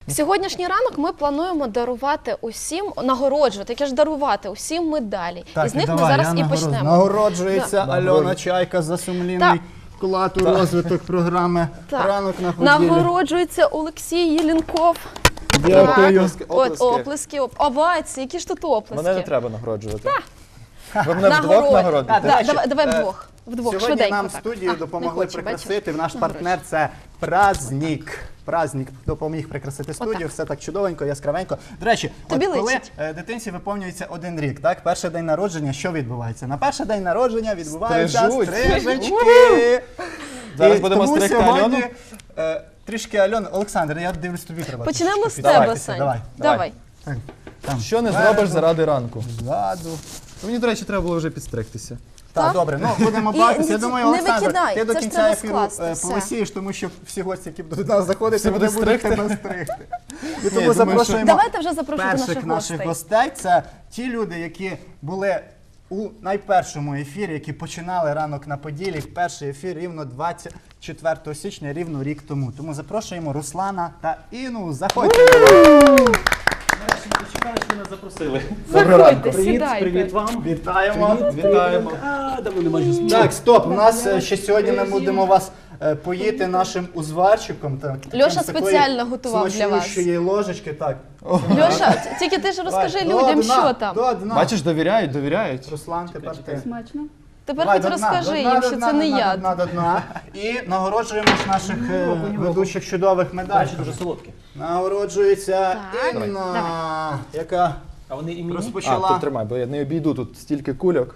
Сьогоднішній ранок ми плануємо дарувати усім, нагороджувати, яке ж дарувати усім медалі. Так, і з них ми зараз і почнемо. Нагороджується Альона Чайка за сумлінний вклад у розвиток програми «Ранок на поділі». Нагороджується Олексій Єлінков. Дякую. Оплески. Овації, які ж тут оплески? Мене не треба нагороджувати. Ви мене вдвох нагородите? Давай вдвох. Вдвох, Сьогодні швиденько. нам в студію допомогли хоче, прикрасити. Наш партнер – це Праздник. Праздник допоміг прикрасити студію, все так чудовенько, яскравенько. До речі, Тобі от коли личить. дитинці виповнюється 1 рік, так? Перший день народження, що відбувається? На перший день народження відбуваються Стрижуть. стрижечки. Зараз І будемо тому стригти сьогодні, Альону. Трішки Альону. Олександр, я дивлюсь, тобі треба. Почнемо трішки з тебе, підстригтися. Сань. Давай. Давай. Там. Що не зробиш заради ранку? Ззаду. Мені, до речі, треба було вже підстригтися. Так, добре, ну будемо бачитися. Я думаю, не Олександр, викидай, ти до це ж кінця треба ефіру скласти, все. повисієш, тому що всі гості, які будуть до нас заходити, Всі вони будуть будуть стригти. тебе стригти. І я тому думаю, запрошуємо Давайте вже запрошувати перших наших гостей. Це ті люди, які були у найпершому ефірі, які починали «Ранок на Поділі». Перший ефір рівно 24 січня, рівно рік тому. Тому запрошуємо Руслана та Інну. Заходьте. Чекаю, що нас запросили. Заходьте, Привіт, сідайте. привіт вам. Вітаємо. Вітаємо. Давно не бачу. Так, стоп, у нас ще сьогодні ми будемо вас поїти нашим узварчиком. Так, Льоша спеціально готував для вас. Смачнющої ложечки, так. Льоша, тільки ти ж розкажи Давай, людям, до дна, що там. до дна. Бачиш, довіряють. Руслан, тепер ти. Смачно. Тепер Давай, хоч до дна, розкажи до дна, їм, до що дна, це до не дна, я. до дна, до дна. І нагороджуємо ж наших ведучих чудових медалей. Дуже солодкі. Нагороджується Так. Інна, яка А вони імені? А, розпочала. тут тримай, бо я не обійду, тут стільки кульок.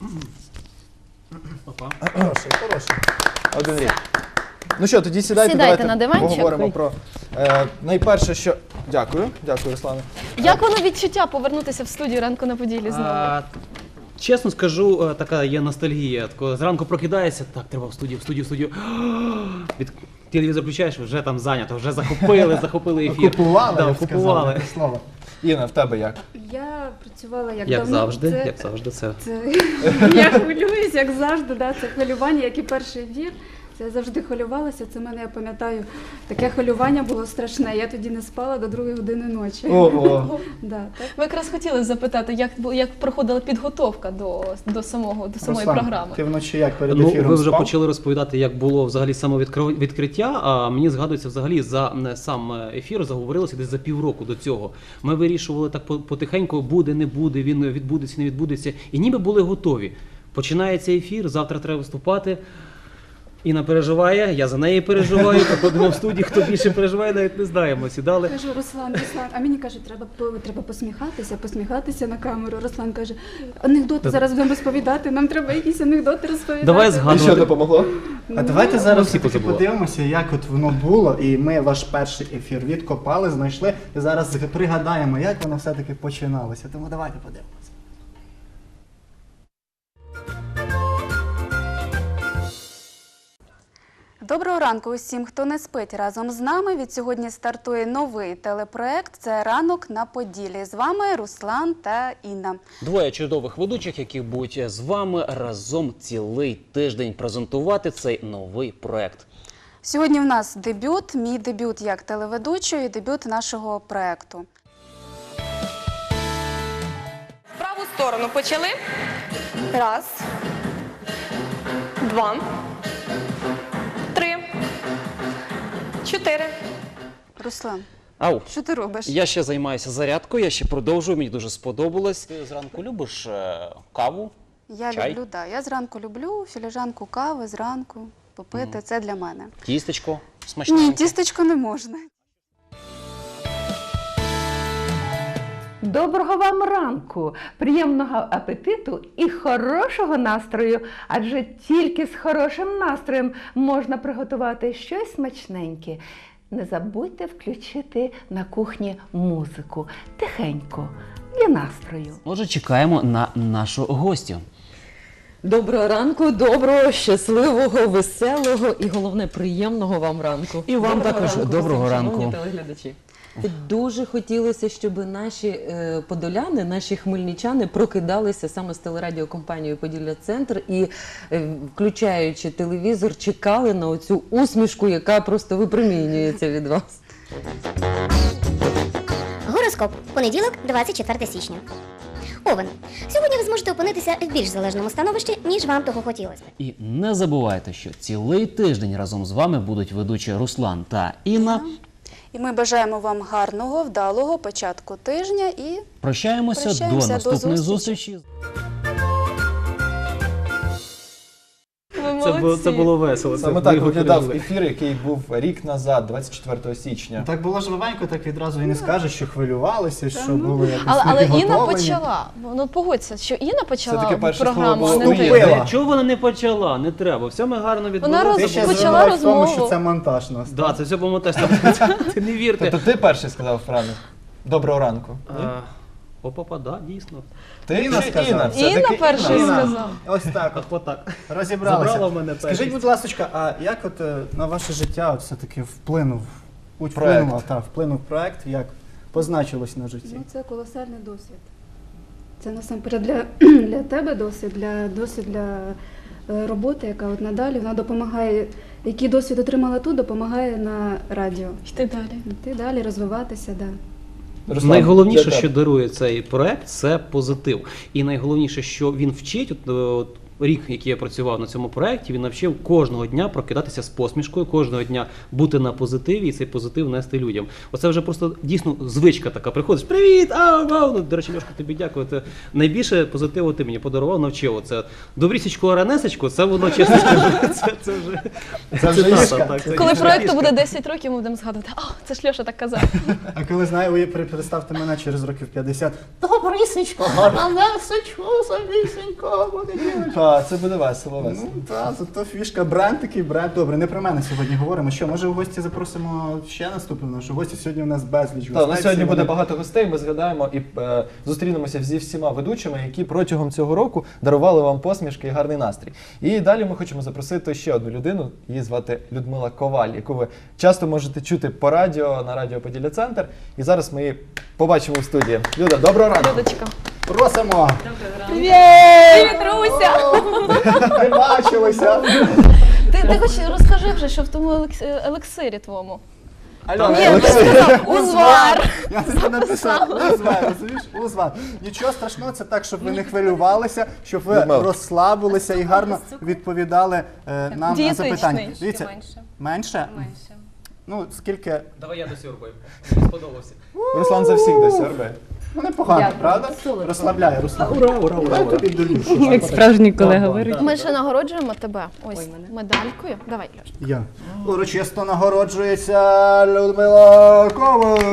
Опа. Хороший, хороший. 1 рік. Ну що, тоді сідайте, Сідайте давайте на диванчик. поговоримо про найперше, що... Дякую, Руслане. Як воно відчуття повернутися в студію «Ранку на Поділі» знову? Чесно скажу, така є ностальгія. Тако зранку прокидаєшся, так, треба в студію. Телевізор включаєш, вже там зайнято, вже захопили ефір. Купували, Да, я б сказав, купували. таке слово. Інна, в тебе як? Я працювала як Як давно. завжди, це. Я хвилююсь, як завжди, да, це хвилювання, як і перший ефір. Це я завжди хвилювалася, це в мене, я пам'ятаю, таке хвилювання було страшне. Я тоді не спала до 2 години ночі. Ого. Да, так. Ми якраз хотіли запитати, як проходила підготовка до самої Руслан, програми. ти вночі як перед Ну, ефіром ви вже спав? почали розповідати, як було взагалі саме відкриття, а мені згадується взагалі за сам ефір заговорилося десь за півроку до цього. Ми вирішували так потихеньку, буде, не буде, він відбудеться, не відбудеться, і ніби були готові. Починається ефір, завтра треба виступати. Інна переживає, я за неї переживаю, приходимо в студію, хто більше переживає, навіть не знаємо. Сідали. Кажу, Руслан, а мені каже, треба посміхатися на камеру. Руслан каже, анекдоти зараз будемо розповідати, нам треба якісь анекдоти розповідати. Давай І що згадувати. допомогло? А давайте зараз всі все-таки позабули. подивимося, як от воно було, і ми ваш перший ефір відкопали, знайшли, і зараз пригадаємо, як воно все-таки починалося. Тому давайте подивимося. Доброго ранку усім, хто не спить разом з нами. Від сьогодні стартує новий телепроект «Це ранок на Поділі». З вами Руслан та Інна. Двоє чудових ведучих, які будуть з вами разом цілий тиждень презентувати цей новий проект. Сьогодні в нас дебют, мій дебют як телеведучої, дебют нашого проекту. Праву сторону почали. 1, 2, 3, 4. Руслан, Ау. що ти робиш? Я ще займаюся зарядкою, я ще продовжую, мені дуже сподобалось. Ти зранку любиш каву? Я Чай? люблю, да. Я зранку люблю філіжанку кави зранку попити, це для мене. Тістечко смачненьке? Ні, тістечко не можна. Доброго вам ранку, приємного апетиту і хорошого настрою, адже тільки з хорошим настроєм можна приготувати щось смачненьке. Не забудьте включити на кухні музику, тихенько, для настрою. Отже, чекаємо на нашу гостю. Доброго ранку, доброго, щасливого, веселого і, головне, приємного вам ранку. І вам також доброго всім, ранку. шановні телеглядачі. Дуже хотілося, щоб наші подоляни, наші хмельничани прокидалися саме з телерадіокомпанією «Поділля-центр» і, включаючи телевізор, чекали на оцю усмішку, яка просто випромінюється від вас. Гороскоп. Понеділок, 24 січня. Овен. Сьогодні ви зможете опинитися в більш залежному становищі, ніж вам того хотілося. І не забувайте, що цілий тиждень разом з вами будуть ведучі Руслан та Інна. І ми бажаємо вам гарного, вдалого початку тижня і Прощаємося до наступної зустрічі. Це було весело. Саме це так ви виглядав говорили. ефір, який був рік назад, 24 січня. Так було жвавенько, так відразу і не скажеш, що хвилювалися, що були якось Але Інна непідготовлені. почала. Ну погодься, що Інна почала Все-таки перше програму, слово а було не ти. «Вбила». Чого вона не почала? Не треба. Все ми гарно відбулося. Ти ще Почала звинуватиш в тому, розмову. що це монтаж нас. Да, це все по Ти не вірте. Тобто ти перший сказав фразу «Доброго ранку». Ні? Опа, да, дійсно. Ти Інна чи сказала. Інна? Інна Все-таки перший Інна. сказав. Ось так от. Отак. Розібралися. Забрала в мене Скажіть, першість. будь ласка, а як от на ваше життя от все-таки Проект. вплинув проект, як позначилось на житті? ну, це колосальний досвід. Це насамперед для тебе досвід для роботи, яка от надалі вона допомагає. Який досвід отримала тут, допомагає на радіо. Йти далі. Йти далі, розвиватися, да. Руслан, Найголовніше, для що тебе. дарує цей проект, це позитив. І найголовніше, що він вчить, от рік, який я працював на цьому проекті, він навчив кожного дня прокидатися з посмішкою, кожного дня бути на позитиві і цей позитив нести людям. Оце вже просто дійсно звичка така. Приходиш, привіт! Вау! Ну, до речі, Льошка, тобі дякую. Це найбільше позитиву ти мені подарував, навчив. Оце добрісічку, ранесечку, це воно, чесно скажу, це вже фішка. так, це Коли дійсно проекту фішка. буде 10 років, ми будемо згадувати, це ж Льоша так казав. А коли знаю, ви представте мене через років 50. Добрісечко, ранесечко, самісенько, понеділочко. Так, це буде весело. Ну так, зато фішка, бренд такий бренд. Добре, не про мене сьогодні говоримо. Що, може в гості запросимо ще наступного нашого гостя? Сьогодні у нас безліч Так, гостей. на сьогодні всі буде вони- багато гостей. Ми згадаємо і зустрінемося зі всіма ведучими, які протягом цього року дарували вам посмішки і гарний настрій. І далі ми хочемо запросити ще одну людину. Її звати Людмила Коваль, яку ви часто можете чути по радіо на радіо Поділля Центр. І зараз ми її побачимо у студії. Люда, доброго ранку. Людочка. Просимо! Привіт, Руся! Не бачилися! Ти хоч розкажи вже, що в тому елексирі твоєму. Алло, Ні, ти Олексій. сказав узвар. Я тобі написав узвар, розумієш? Узвар. Нічого страшного, це так, щоб ви не хвилювалися, щоб ви Людмила. розслабилися і гарно відповідали нам на Дієтичний. запитання. Дивіться, менше? Менше. Ну, скільки? Давай я досьорбаю. Мені сподобався. Руслан за всіх десь орбе. Ну, непогано, правда? Розслабляє, Руслан. Ура. Дай тобі долю. Як справжній колега говорить. Ми ще нагороджуємо тебе ось медалькою. Давай, Льош. Я. Урочисто нагороджується Людмила Коваль.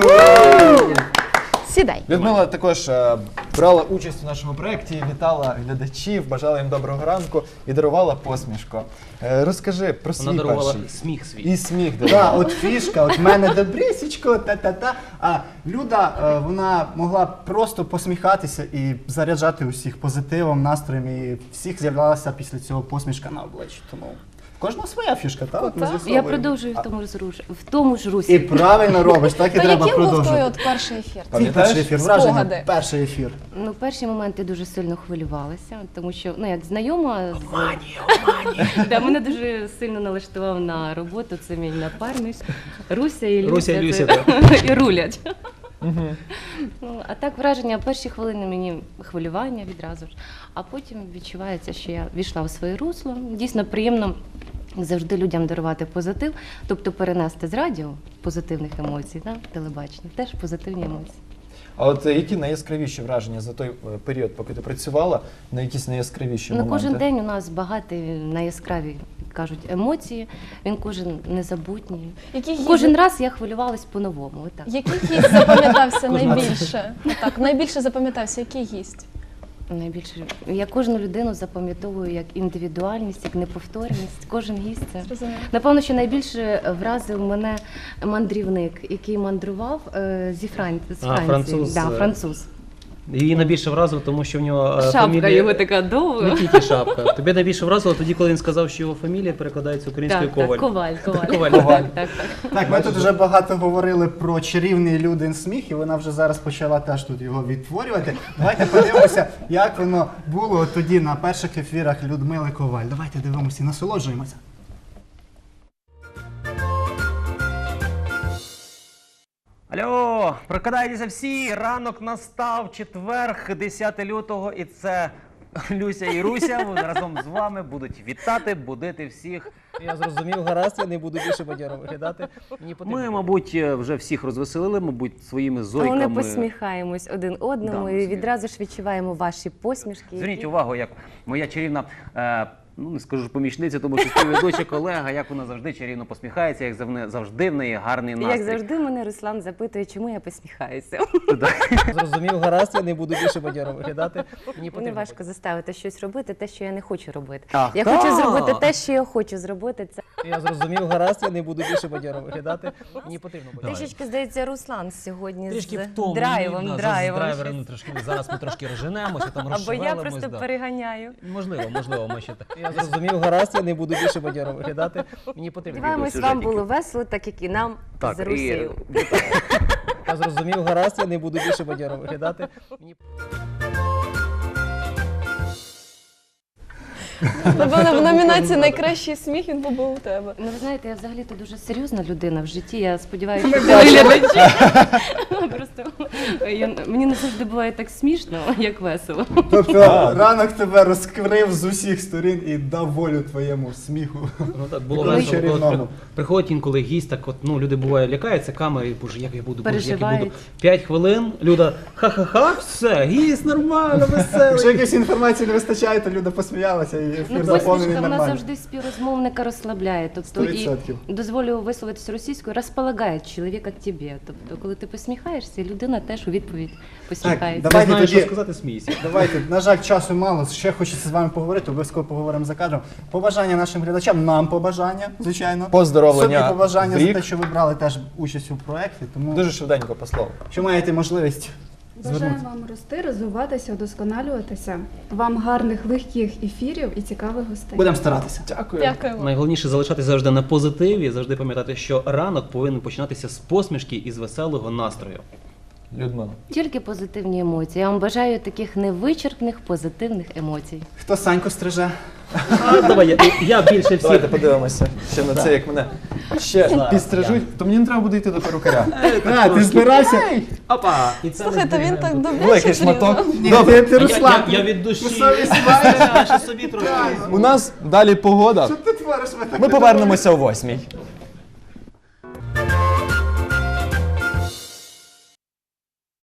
Сідай. Людмила також брала участь у нашому проєкті, вітала глядачів, бажала їм доброго ранку і дарувала посмішку. Розкажи про Вона свій дарувала перший. сміх свій. І сміх. Так, от фішка, от в мене добрісічко, та-та-та. А Люда, вона могла просто посміхатися і заряджати усіх позитивом, настроєм, і всіх з'являлася після цього посмішка на обличчі. Тому в кожного своя фішка, так? От ми Так. з'ясовуємо. Я продовжую в тому ж І русі. правильно робиш, так і То треба яким був той продовжувати. от перший ефір? Твій Пам'ятаєш? перший ефір, враження, Спогади. перший ефір. Ну, перші моменти дуже сильно хвилювалася, тому що, ну, як знайома з... Да, мене дуже сильно налаштував на роботу, це мій напарник. Руся і Люся. Руся і Люся, це- і рулять. Ну, а так враження, перші хвилини мені хвилювання відразу ж, а потім відчувається, що я війшла в своє русло. Дійсно приємно завжди людям дарувати позитив, тобто перенести з радіо позитивних емоцій на телебачення, теж позитивні емоції. А от які найяскравіші враження за той період, поки ти працювала, на якісь найяскравіші Ну, моменти? кожен день у нас багатий на яскраві, кажуть, емоції, він кожен незабутній. Кожен раз я хвилювалась по-новому. Отак. Який гість запам'ятався найбільше? Так, найбільше запам'ятався, який гість? Найбільше я кожну людину запам'ятовую як індивідуальність, як неповторність. Кожен гість це. Зрозуміло. Напевно, що найбільше вразив мене мандрівник, який мандрував зі Франції. француз. Да, француз. Її найбільше вразило, тому що в нього Шапка фамілія... його така довга. Не тільки шапка. Тобі найбільше вразило тоді, коли він сказав, що його фамілія перекладається українською Так, Коваль. Коваль. Коваль. Так. Так, ми тут вже багато говорили про чарівний Людин сміх, і вона вже зараз почала теж тут його відтворювати. Давайте подивимося, як воно було тоді на перших ефірах Людмили Коваль. Давайте дивимося і насолоджуємося. Алло, прокидайтеся всі, ранок настав, четверг, 10 лютого, і це Люся і Руся разом з вами будуть вітати, будити всіх. Я зрозумів, гаразд, я не буду більше бадьоро виглядати. Ми, мабуть, вже всіх розвеселили, мабуть, своїми зойками. Ми посміхаємось один одному і відразу ж відчуваємо ваші посмішки. Зверніть увагу, як моя чарівна, ну не скажу помічниця, тому що співведуча колега, як вона завжди чарівно посміхається, як завжди в неї гарний настрій. Як завжди мене Руслан запитує, чому я посміхаюся. Зрозумів, гаразд, я не буду більше бадьоро виглядати. Мені важко заставити щось робити, те, що я не хочу робити. Ах, Я хочу зробити те, що я хочу зробити. Це Я зрозумів, гаразд, я не буду більше бадьоро виглядати. Мені потрібно бадьоро. трішечки, здається, Руслан сьогодні Трішки з втомлені, драйвом. да, драйвом. зараз ми трошки розженемося, там Або розшевелимось. я просто переганяю. Можливо, ми ще так. Я зрозумів, гаразд, я не буду більше бадьоро виглядати. Мені потрібно. Сподіваємось, вам було весело, так як і нам Так, з Русею. Я зрозумів, гаразд, я не буду більше бадьоро виглядати. Напевно, в номінації «Найкращий сміх» він був у тебе. Ну, ви знаєте, я взагалі-то дуже серйозна людина в житті. Я сподіваюся, що телеглядачі. Просто мені не завжди буває так смішно, як весело. Тобто ранок тебе розкрив з усіх сторін і дав волю твоєму сміху. Ну так було Ну, весело. чарівному. Коли приходить інколи гість, так от, ну, люди буває лякаються камери, боже, як я буду, боже, як я буду. Переживають. 5 хвилин, Люда, ха-ха-ха, все, гість нормально, Якщо веселий. якоїсь інформації не вистачає, то Люда посміялася і ефір Ну, заповнений посмішка, вона нормально. завжди співрозмовника розслабляє. Тобто, і 100%. дозволю висловитися російською, розполагає чоловіка к тобі. Тобто, коли ти посміхаєшся, людина теж у відповідь посміхається. Ти Давайте знаєш, тоді- що сказати, смійся. Давайте, на жаль, часу мало. Ще хочеться з вами поговорити, обов'язково поговоримо за кадром. Побажання нашим глядачам, нам побажання, звичайно. Поздоровлення Собі побажання в за рік. те, що ви брали теж участь у проєкті. Тому Дуже швиденько по слову. що маєте можливість Бажаю звернутися. вам рости, розвиватися, удосконалюватися. Вам гарних, легких ефірів і цікавих гостей. Будемо старатися. Дякую. Дякуємо. Найголовніше залишатися завжди на позитиві, завжди пам'ятати, що ранок повинен починатися з посмішки і з веселого настрою. Людмила. Тільки позитивні емоції. Я вам бажаю таких невичерпних позитивних емоцій. Хто Саньку стриже? Давай, я більше всіх. Давайте подивимося ще на це, як мене ще підстрижуть, то мені не треба буде йти до перукаря. Ти збирався? Опа! І це Слухайте, він так добре Великий шматок. Ні, ти Руслан. Я від душі. Совість Я ще собі трошки. У нас далі погода. Ти твориш мене. Ми повернемося о 8:00.